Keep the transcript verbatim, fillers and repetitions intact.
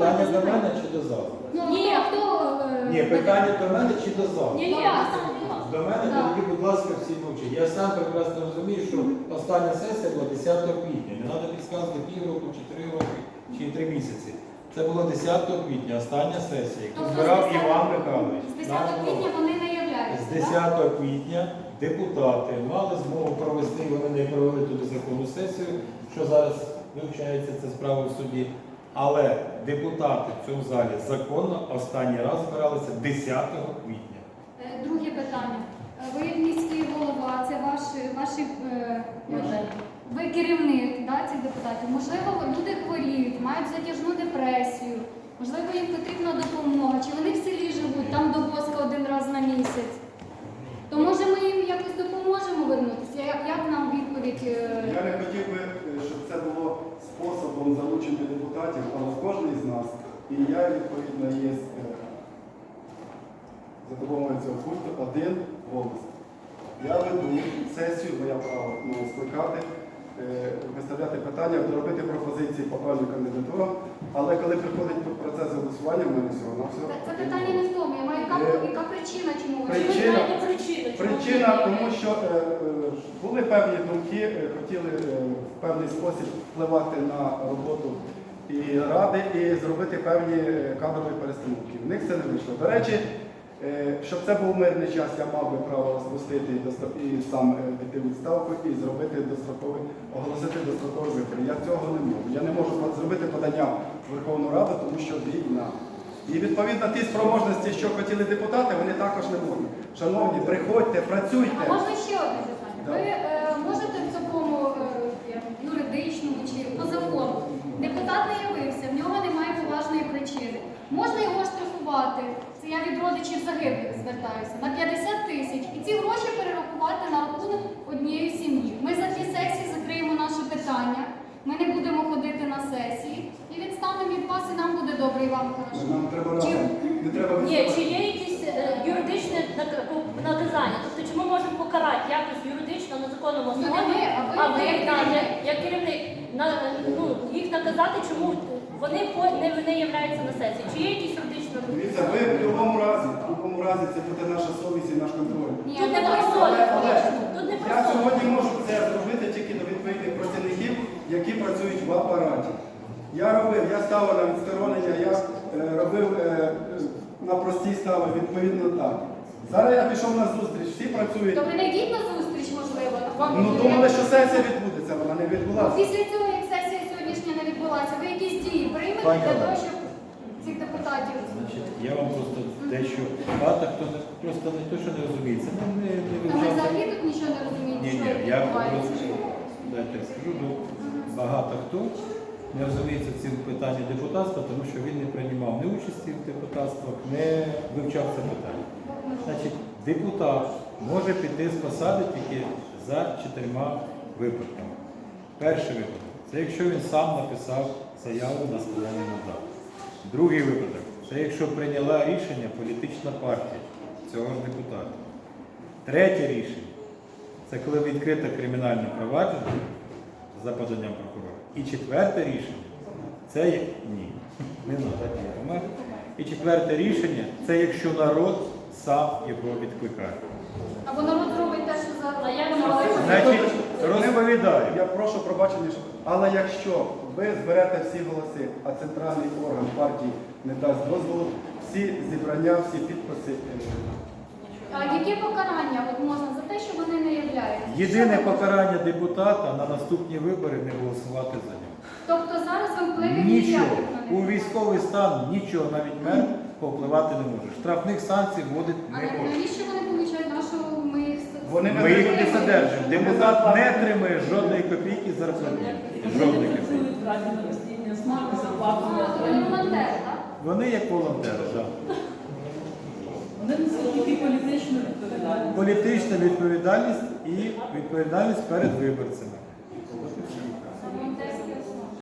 Питання до мене чи до залу? Ну, ні, хто... е, Ні, питання до мене чи до залу? Ні, ні, До мене, Так. тоді, будь ласка, всі мовчать. Я сам прекрасно розумію, що остання сесія була десятого квітня. Не треба підказувати півроку, чи три роки, чи три місяці. Це було десятого квітня, остання сесія, яку Тобто збирав з десятого Іван Михайлович. З десятого квітня вони не являються, З десятого квітня депутати мали змогу провести, вони не провели туди законну сесію, що зараз вивчається ця справа в суді. Але депутати в цьому залі законно останній раз збиралися десятого квітня. Е, Друге питання. Е, Ви як міський голова, це ваші, ваші е, ви керівник, да, цих депутатів. Можливо, люди хворіють, мають затяжну депресію, можливо, їм потрібна допомога, чи вони в селі живуть, там до воска один раз на місяць. То може ми їм якось допоможемо вернутися? Як, як нам відповідь? е, Я не хотів би, щоб це було способом залучення депутатів, але кожен із нас, і я, відповідно, є е, за допомогою цього пульту один голос. Я веду сесію, бо я право ну, скликати, е, виставляти питання, робити пропозиції по певним кандидатурам, але коли приходить процес голосування, в мене всього на все. Це, це питання не в тому. Я маю яка, яка причина, чому ви Причина, причина, причина тому що е, е, були певні думки, е, хотіли е, в певний спосіб впливати на роботу і ради і зробити певні е, кадрові перестановки. В них це не вийшло. До речі, е, щоб це був мирний час, я мав би право розпустити і, достроп- і сам е, піти в відставку і зробити достроковий, оголосити дострокові вибори. Я цього не можу. Я не можу зробити подання в Верховну Раду, тому що війна. І відповідно ті спроможності, що хотіли депутати, вони також не можуть. Шановні, приходьте, працюйте. А можна ще одне питання? Да. Ви е, можете в такому е, юридичному чи по закону, депутат не явився, в нього немає поважної причини. Можна його штрафувати, це я від родичів загиблих звертаюся, на п'ятдесят тисяч. І ці гроші перерахувати на рахунок однієї сім'ї. Ми за ті сесії закриємо наше питання, ми не будемо ходити на сесії і відстанемо від вас, і нам буде добре, і вам хорошо. Нам треба Чи- разом. Не треба Ні, відставати. чи є якісь е, юридичне нак- наказання? Тобто, чи ми можемо покарати якось юридично на законному Ну, не основі, ми, а ви, а ви ви, як да, керівник. як- як керівник, на, ну, їх наказати, чому вони по- не, не являються на сесії? Чи є якісь юридичні Дивіться, ви в будь-якому разі, в будь-якому разі це буде наша совість і наш контроль. Ні, Тут ну, не про так, совість, Але тут не про я совість. сьогодні можу це зробити тільки до відповідних працівників, які працюють в апараті. Я робив, я ставив на відсторонення, я е, робив е, е, на простій стави, відповідно так. Зараз я пішов на зустріч, всі працюють. То ви не йдіть на зустріч, можливо. Вам Ну думали, що сесія відбудеться, вона не відбулася. Після цього, як сесія сьогоднішня не відбулася, ви якісь дії приймете Пані для того, Олено. щоб цих депутатів... Значить, я вам просто дещо багато хто не просто не то, що не розуміє. Це не, не, не Та ми вивчав. взагалі тут нічого не розуміємо, Ні, що ні, я відбувається. просто дайте я скажу, ну, багато хто не розуміється в цьому питанні депутатства, тому що він не приймав ні участі в депутатствах, не вивчав це питання. Значить, депутат може піти з посади тільки за чотирма випадками. Перший випадок це якщо він сам написав заяву на складання мандату. Другий випадок це якщо прийняла рішення політична партія цього ж депутата. Третє рішення це коли відкрите кримінальне провадження за поданням прокурора. І четверте рішення це є... ні, не треба ні помер. І четверте рішення це якщо народ сам його відкликає. Або народ зробить те, що за... А як Значить, розповідаю. Я прошу пробачення, що- але якщо ви зберете всі голоси, а центральний орган партії не дасть дозволу, всі зібрання, всі підписи. е, А яке покарання от можна за те, що вони не являються? Єдине Що ви- покарання депутата на наступні вибори не голосувати за нього. Тобто зараз ви впливів Нічого. ніяких на У них? військовий стан нічого, навіть мер повпливати не може. Штрафних санкцій вводити А не може. навіщо вони получають нашу... Ми їх... Вони Ми їх не Вони- содержимо. Депутат не отримує жодної копійки зарплати. Жодної копійки. А, то вони волонтери, так? Вони як волонтери, так. Вони несуть тільки політичну відповідальність. Політична відповідальність і відповідальність перед виборцями.